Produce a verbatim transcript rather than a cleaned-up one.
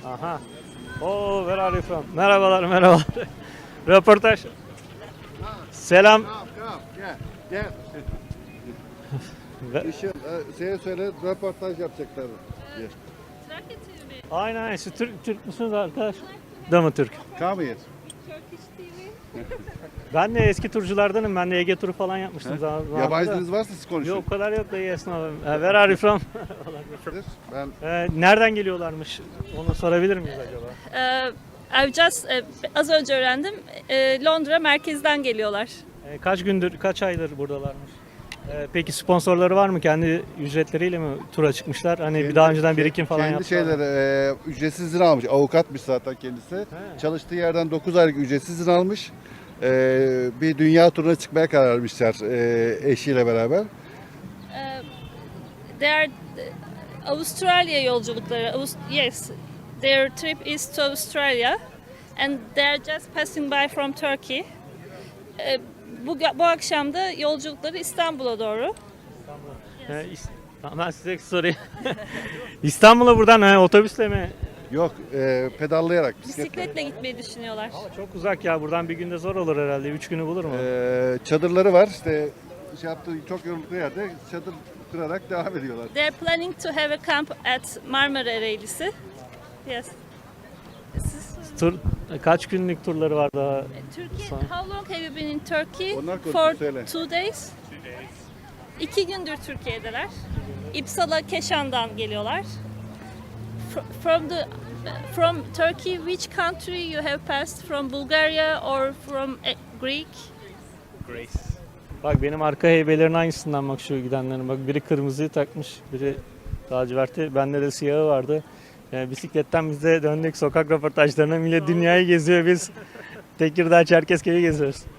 Aha. Oo, where are you from? Merhabalar, merhabalar. Röportaj. Selam. Tamam tamam gel gel. Ve- İşin, e, şeye söyle röportaj yapacaklar. Gel. Trakya T V. Aynen aynen. Siz Türk, Türk müsünüz arkadaş? Da mı Türk? Come here. Turkish T V. Ben de eski turculardanım. Ben de Ege turu falan yapmıştım. zaman- zamanında. Yabancı diliniz varsa siz konuşun. Yok, o kadar yok da yes no. Uh, Where are you from? Ben Ee, nereden geliyorlarmış? Onu sorabilir miyiz acaba? Ee, I've just, e, az önce öğrendim. E, Londra merkezden geliyorlar. Ee, kaç gündür, kaç aydır buradalarmış? Ee, peki sponsorları var mı? Kendi ücretleriyle mi tura çıkmışlar? Hani bir daha önceden birikim falan kendi yaptılar mı? şeyleri e, ücretsiz izin almış. Avukatmış zaten kendisi. He. Çalıştığı yerden dokuz aylık ücretsiz izin almış. E, bir dünya turuna çıkmaya karar vermişler e, eşiyle beraber. Ee, they are e, Avustralya yolculukları. Avust- yes, their trip is to Australia and they are just passing by from Turkey. Ee, bu, bu akşam da yolculukları İstanbul'a doğru. Ee, is- Tamam, ben size sorayım. İstanbul'a buradan he, otobüsle mi? Yok e, pedallayarak bisikletle. Bisikletle gitmeyi düşünüyorlar. Çok uzak ya, buradan bir günde zor olur herhalde. Üç günü bulur mu? E, çadırları var. İşte şey yaptığı çok yoruldukları yerde çadır kurarak devam ediyorlar. They're planning to have a camp at Marmara Ereğlisi. Yes. Tur, kaç günlük turları var daha? Turkey, Son- how long have you been in Turkey? Onlar konuşsun, For söyle. two days. İki gündür Türkiye'deler. İpsala Keşan'dan geliyorlar. Fr- From the from Turkey, which country you have passed? From Bulgaria or from eh, Greek? Bak benim arka heybelerin aynısından bak şu gidenlerin. Bak biri kırmızıyı takmış, biri laciverti. Bende de siyahı vardı. Yani bisikletten biz de döndük sokak röportajlarına. Millet dünyayı geziyor, biz Tekirdağ, Çerkezköy'ü geziyoruz.